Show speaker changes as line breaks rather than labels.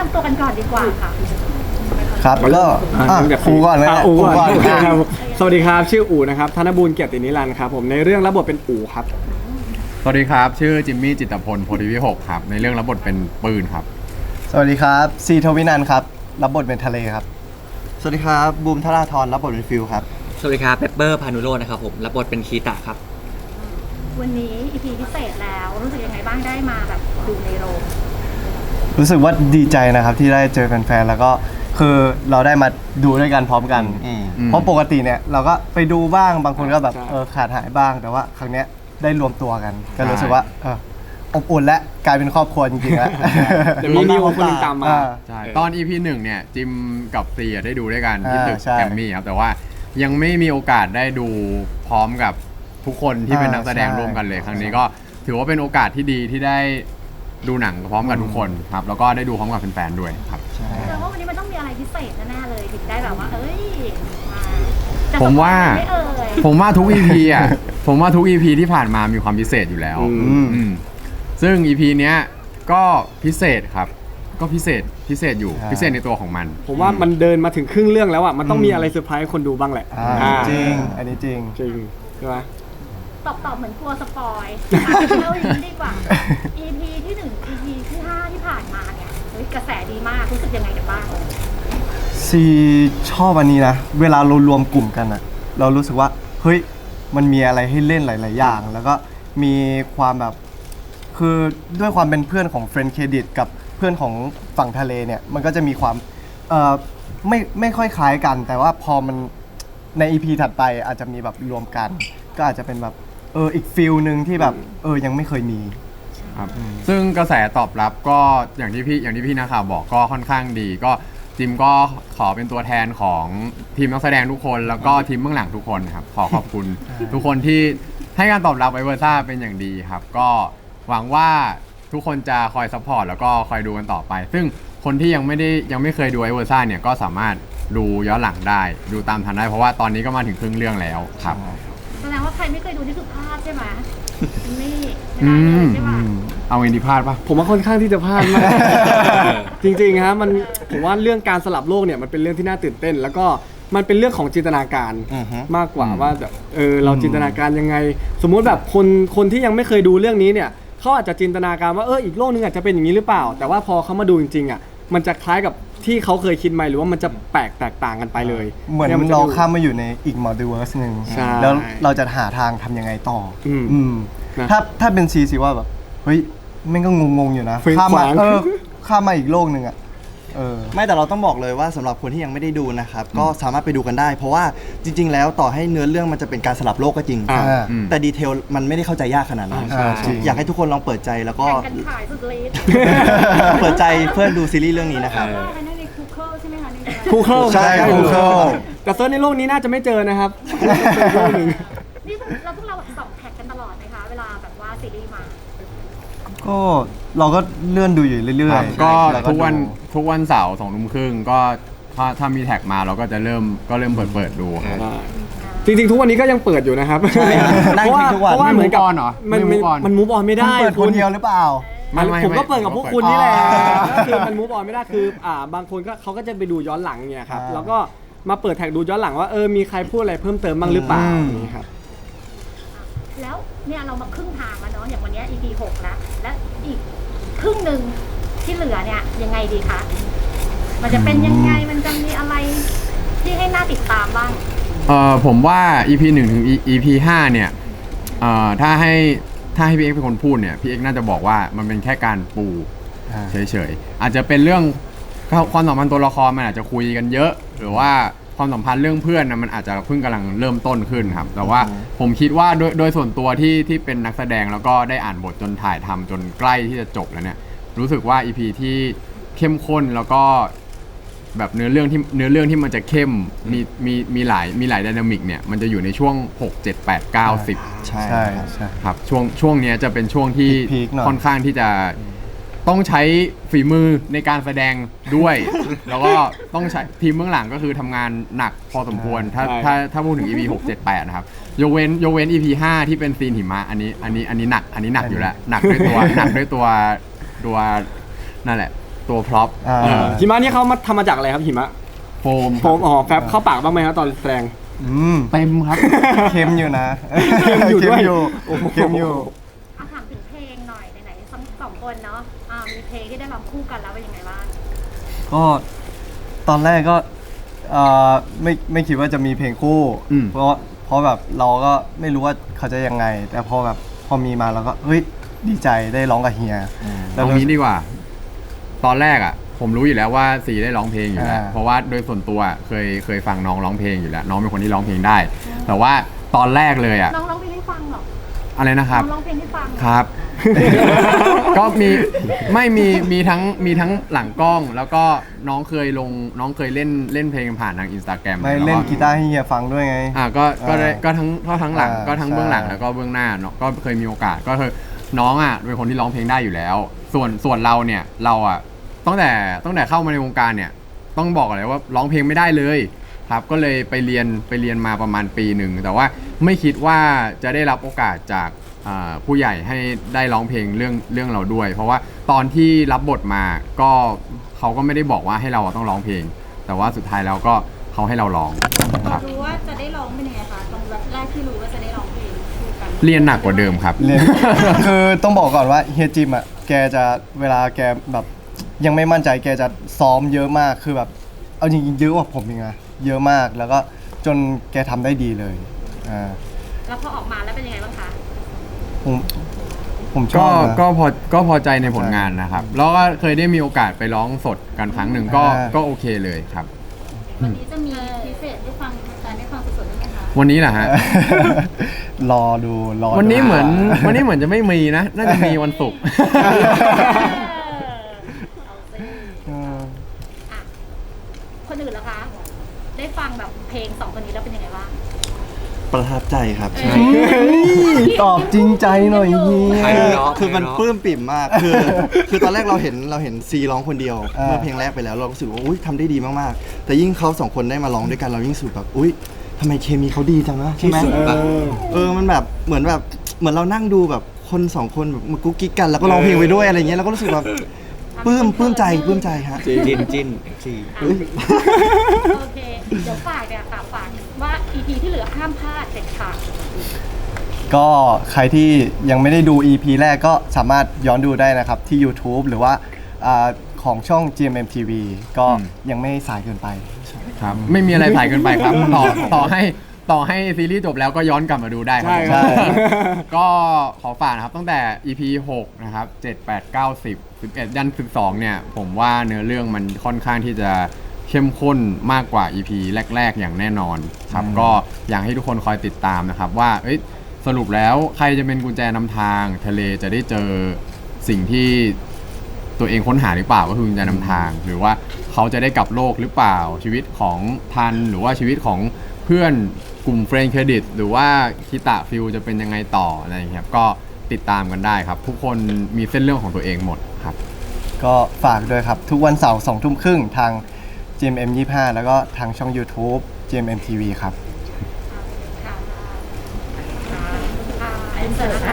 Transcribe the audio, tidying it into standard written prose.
ำตัวกันก่อนดีกว่าค่ะ
ครับก็ครูก่อนเลย
อูก่อนครับสวัสดีครับชื่ออูนะครับธนบูรณ์เกียรตินิรันดร์ครับผมในเรื่องรับบทเป็นอูครับ
สวัสดีครับชื่อจิมมี่จิตรพลโพธิวิหกครับในเรื่องรับบทเป็นปืนครับ
สวัสดีครับซีทวินันท์ครับรับบทเป็นทะเลครับ
สวัสดีครับบูมธราธรรับบทเป็นฟิลครับ
สวัสดีครับเปปเปอร์พานุโรจน์นะครับผมรับบทเป็นคีตะครับ
วันนี้ EP พิเศษแล้วรู้สึกยังไงบ้างได้มาแบบดูในโรง
รู้สึกว่าดีใจนะครับที่ได้เจอแฟนๆแล้วก็คือเราได้มาดูด้วยกันพร้อมกันเพราะปกติเนี่ยเราก็ไปดูบ้างบางคนก็แบบขาดหายบ้างแต่ว่าครั้งเนี้ยได้รวมตัวกันก็รู้สึกว่าอบอุ่นและกลายเป็นครอบครัวจริงๆแล้ว
เดี๋ยวมีนิวคนนึงตามมา
ใช่ตอน EP 1เนี่ยจิมกับซีได้ดูด้วยกันที่ตึกแกรมมี่ครับแต่ว่ายังไม่มีโอกาสได้ดูพร้อมกับทุกคนที่เป็นนักแสดงร่วมกันเลยครั้งนี้ก็ถือว่าเป็นโอกาสที่ดีที่ได้ดูหนังพร้อมกับทุกคนครับแล้วก็ได้ดูพร้อมกับแฟนๆด้วยครับ
แต่ว่าวันนี้มันต้องมีอะไรพิเศษแน่ๆเลยถึงได้แบบว่า
ผมว่าทุก EP อ่ะผมว่าทุก EP ที่ผ่านมามีความพิเศษอยู่แล้วซึ่ง EP เนี้ยก็พิเศษครับก็พิเศษอยู่พิเศษในตัวของมัน
ผมว่ามันเดินมาถึงครึ่งเรื่องแล้วอ่ะมันต้องมีอะไรเซอร์ไพรส์คนดูบ้างแหละ
จริงอันนี้จริง
ใช่ไหม
ตอบเหมือนกลัวสปอยเล่าอย่างนี้ดีกว่า EP ที่1 EP ที่5ที่ผ่านมาเนี่ยกระแสดีมากรู้สึกยังไงกันบ้าง
ซีชอบอันนี้นะเวลาเรารวมกลุ่มกันอะเรารู้สึกว่าเฮ้ยมันมีอะไรให้เล่นหลายๆอย่างแล้วก็มีความแบบคือด้วยความเป็นเพื่อนของเฟรนด์เครดิตกับเพื่อนของฝั่งทะเลเนี่ยมันก็จะมีความไม่ค่อยคล้ายกันแต่ว่าพอมันใน EP ถัดไปอาจจะมีแบบรวมกันก็อาจจะเป็นแบบอีกฟิลนึงที่แบบยังไม่เคยมี
ครับซึ่งกระแสตอบรับก็อย่างที่พี่นักข่าวบอกก็ค่อนข้างดีก็จิมก็ขอเป็นตัวแทนของทีมนักแสดงทุกคนแล้วก็ทีมเบื้องหลังทุกคนครับขอขอบคุณ ทุกคนที่ให้การตอบรับไวเวอร์ซ่าเป็นอย่างดีครับก็หวังว่าทุกคนจะคอยซัพพอร์ตแล้วก็คอยดูกันต่อไปซึ่งคนที่ยังไม่เคยดูไวเวอร์ซ่าเนี่ยก็สามารถดูย้อนหลังได้ดูตามทันได้เพราะว่าตอนนี้ก็มาถึงครึ่งเรื่องแล้วครับ
แสดงว่าใครไม่เคยดูนี่คือพลาดใช่ไหมไม่ได้เลยใช่ไหม
เอาเงินที่พลาดปะ
ผมว่าค่อนข้างที่จะพลาดมากจริงๆฮะมันผมว่าเรื่องการสลับโลกเนี่ยมันเป็นเรื่องที่น่าตื่นเต้นแล้วก็มันเป็นเรื่องของจินตนาการมากกว่าว่าแบบเราจินตนาการยังไงสมมุติแบบคนที่ยังไม่เคยดูเรื่องนี้เนี่ยเขาอาจจะจินตนาการว่าอีกโลกนึงอาจจะเป็นอย่างนี้หรือเปล่าแต่ว่าพอเขามาดูจริงๆอ่ะมันจะคล้ายกับที่เขาเคยคิดไหมหรือว่ามันจะแตกต่างกันไปเลย
เหมือนเราข้ามมาอยู่ในอีกมัลติเวิร์สนึงแล้วเราจะหาทางทำยังไงต่อถ้าเป็นซีว่าแบบเฮ้ยแม่งก็งงๆอยู่นะข้ามมาอีกโลกนึงอ่ะ
ไม่แต่เราต้องบอกเลยว่าสำหรับคนที่ยังไม่ได้ดูนะครับก็สามารถไปดูกันได้เพราะว่าจริงๆแล้วต่อให้เนื้อเรื่องมันจะเป็นการสลับโลกก็จริงแต่ดีเทลมันไม่ได้เข้าใจยากขนาดนั้นอยากให้ทุกคนลองเปิดใจแล้วก็เปิดใจเพื่อดูซีรีส์เรื่องนี้นะครับ
คูเคิล
ใช่คูเคิล
แต่เซิร์ชในโลกนี้น่าจะไม่เจอนะครับ
นี่เราพวกเราส่องแท็กกันตลอดไหมคะเวลาแบบว่าซีรีส์มา
ก็เราก็เลื่อนดูอยู่เรื่อย
ๆก็ทุกวันเสาร์20:30ก็ถ้ามีแท็กมาเราก็จะเริ่มเปิดดูครับ
จริงๆทุกวันนี้ก็ยังเปิดอยู่นะครับเพราะว่าเหมือนกับมันมูฟออนไม่ได้
เปิดคนเดียวหรือเปล่า
ผมก็เปิดกับพวกคุณนี่แหละคือมันมูฟออนไม่ได้คือบางคนก็เขาก็จะไปดูย้อนหลังเนี่ยครับแล้วก็มาเปิดแท็กดูย้อนหลังว่ามีใครพูดอะไรเพิ่มเติมบ้างหรือเปล่านี่ครับ
แล้วเนี่ยเรามาครึ่งทางแล้วเนาะอย่างวันนี้ EP 6แล้วและอีกครึ่งหนึ่งที่เหลือเนี่ยยังไงดีคะมันจะเป็นยังไงมันจะมีอะไรที่ให้น่าติดตามบ้าง
ผมว่า EP 1 ถึง EP 5เนี่ยถ้าให้พี่เอ็กเป็นคนพูดเนี่ยพี่เอ็กน่าจะบอกว่ามันเป็นแค่การปูเฉยๆอาจจะเป็นเรื่องความสัมพันธ์ตัวละครมันอาจจะคุยกันเยอะหรือว่าความสัมพันธ์เรื่องเพื่อนนะมันอาจจะเพิ่งกำลังเริ่มต้นขึ้นครับแต่ว่าผมคิดว่าโดยส่วนตัวที่เป็นนักแสดงแล้วก็ได้อ่านบทจนถ่ายทำจนใกล้ที่จะจบแล้วเนี่ยรู้สึกว่า EP ที่เข้มข้นแล้วก็แบบเนื้อเรื่องที่มันจะเข้มมีหลายไดนามิกเนี่ยมันจะอยู่ในช่วง6 7 8 9 10
ใช่
ครับช่วงนี้จะเป็นช่วงที่ค่อนข้างที่จะต้องใช้ฝีมือในการแสดงด้วย แล้วก็ต้องใช้ทีมเบื้องหลังก็คือทำงานหนักพอสมควรถ้าพูดถึง EP 6 7 8นะครับยกเว้น EP 5ที่เป็นซีนหิมะอันนี้หนักอยู่แล้วหนักด้วยตัวนั่นแหละตัวพร็อพ
หิมะนี่เขามาทำมาจากอะไรครับหิมะ
โฟม
โฟมแฟบเข้าปากบ้างไหมครับตอนแสดง
เต็มครับ
เค็มอยู่นะ
เค็มอยู่ด้วย
เค็มอยู่
ถามถึงเพลงหน่อยไหนๆทั้งสองคนเนาะมีเพลงที่ได้ร้องคู่กันแล้วเป็นยังไงบ้าง
ก็ตอนแรกก็ไม่คิดว่าจะมีเพลงคู่ เพราะแบบเราก็ไม่รู้ว่าเขาจะยังไง แต่พอมีมาเราก็เฮ้ยดีใจได้ร้องกับเฮีย
เอางี้ดีกว่า ตอนแรกอ่ะ ผมรู้อยู่แล้วว่าซีได้ร้องเพลงอยู่แล้ว เพราะว่าโดยส่วนตัวเคยฟังน้องร้องเพลงอยู่แล้ว น้องเป็นคนที่ร้องเพลงได้ แต่ว่าตอนแรกเลยอ่ะ
น้องร้องเพลงให้ฟังเหรอ
อะไรนะครับ
น้องร้องเพลงให้ฟังเหอ
ครับ ก็มีทั้งหลังกล้อง แล้วก็น้องเคยเล่นเพลงผ่านทางอินสตาแกรม
ไม่เล่นกีตาร์ให้เฮียฟังด้วยไง
ก็ทั้งหลังก็ทั้งเบื้องหลัง
ใช่
แล้วก็เบื้องหน้าเนาะก็เคยมีโอกาสก็คือน้องอ่ะเป็นคนที่ร้องเพลงได้อยู่แล้ว ส่วนเราเนี่ยเราอ่ะตั้งแต่เข้ามาในวงการเนี่ยต้องบอกเลยว่าร้องเพลงไม่ได้เลยครับก็เลยไปเรียนมาประมาณปีหนึ่งแต่ว่าไม่คิดว่าจะได้รับโอกาสจากผู้ใหญ่ให้ได้ร้องเพลงเรื่องเราด้วย เพราะว่าตอนที่รับบทมาก็เขาก็ไม่ได้บอกว่าให้เราต้องร้องเพลง แต่ว่าสุดท้ายแล้วก็เขาให้เราร้องครับ
รู้ว่าจะได้ร้องเป็นยังไงคะตอนแรกที่รู้ว่าจะได้ร้องเพลงคู่กัน
เรียนหนักกว่าเดิมครับ
เรียน คือต้องบอกก่อนว่าเฮียจิมอ่ะแกจะเวลาแกแบบยังไม่มั่นใจแกจะซ้อมเยอะมากคือแบบเอาจริงๆเยอะกว่าผมอีกนะเยอะมากแล้วก็จนแกทำได้ดีเลย
แล้วพอออกมาแล้วเป็นยังไงบ้างคะ
ผมชอบนะ
ก็พอใจในผลงานนะครับ แล้วก็เคยได้มีโอกาสไปร้องสดกันครั้งหนึ่งก็โอเคเลยครับ
วันนี้จะมีพิเศษได้ฟังการได้ฟังสดๆได้ไหมคะ
วันนี้แหละฮะ
รอดู
วันนี้เหมือนจะไม่มีนะ น่าจะมีวันศุกร์
คนอื่นล่ะคะ ได้ฟังแบบเพลงสองคนนี้แล้วเป็นยังไงบ้าง
ประทับใจครับใช่
ตอบจริงใจหน่อยเฮีย
ใครเนาะ
คือมันปลื้มปิ่มมาก คือตอนแรกเราเห็นซีร้องคนเดียวเมื่อเพลงแรกไปแล้วเรารู้สึกว่าอุ้ยทำได้ดีมากๆ แต่ยิ่งเขาสองคนได้มาร้องด้วยกันเรายิ่งรู้สึกแบบอุ้ยทำไมเคมีเขาดีจังนะใช่ไหมมันแบบเหมือนเรานั่งดูแบบคนสองคนแบบมากุ๊กกิ๊กกันแล้วก็ร้องเพลงไปด้วยอะไรเงี้ยเราก็รู้สึกแบบปลื้มใจฮะ
จิ้นซี
โอเค เดี๋ยวฝากเนี่ยค่ะฝากว่า EP ที่เหลือห้ามพลาดเด็ดขาด
ก็ใครที่ยังไม่ได้ดู EP แรกก็สามารถย้อนดูได้นะครับที่ YouTube หรือว่าของช่อง GMM TV ก็ยังไม่สายเกินไป
ครับไม่มีอะไรสายเกินไปครับ ต่อให้ซีรีส์จบแล้วก็ย้อนกลับมาดูได้ครับ
ใช่ครับ
ก็ขอฝากนะครับตั้งแต่ EP 6 นะครับ 7 8 9 10 11 ยัน 12 เนี่ย ผมว่าเนื้อเรื่องมันค่อนข้างที่จะเข้มข้นมากกว่า EP แรก ๆ อย่างแน่นอนครับก็อยากให้ทุกคนคอยติดตามนะครับว่าสรุปแล้วใครจะเป็นกุญแจนำทางทะเลจะได้เจอสิ่งที่ตัวเองค้นหาหรือเปล่าก็คือกุญแจนำทาง หรือว่าเขาจะได้กลับโลกหรือเปล่าชีวิตของทันหรือว่าชีวิตของเพื่อนกลุ่มเฟรนด์เครดิตหรือว่าคิตะฟิลจะเป็นยังไงต่ออะไรอย่างเงี้ยครับก็ติดตามกันได้ครับ ทุกคนมีเส้นเรื่องของตัวเองหมดครับ
ก็ฝากด้วยครับ ทุกวันเสาร์2 ทุ่มครึ่งทาง GMM 25 แล้วก็ทางช่อง YouTube GMM TV ครับ
ค่ะอินเสิร์ต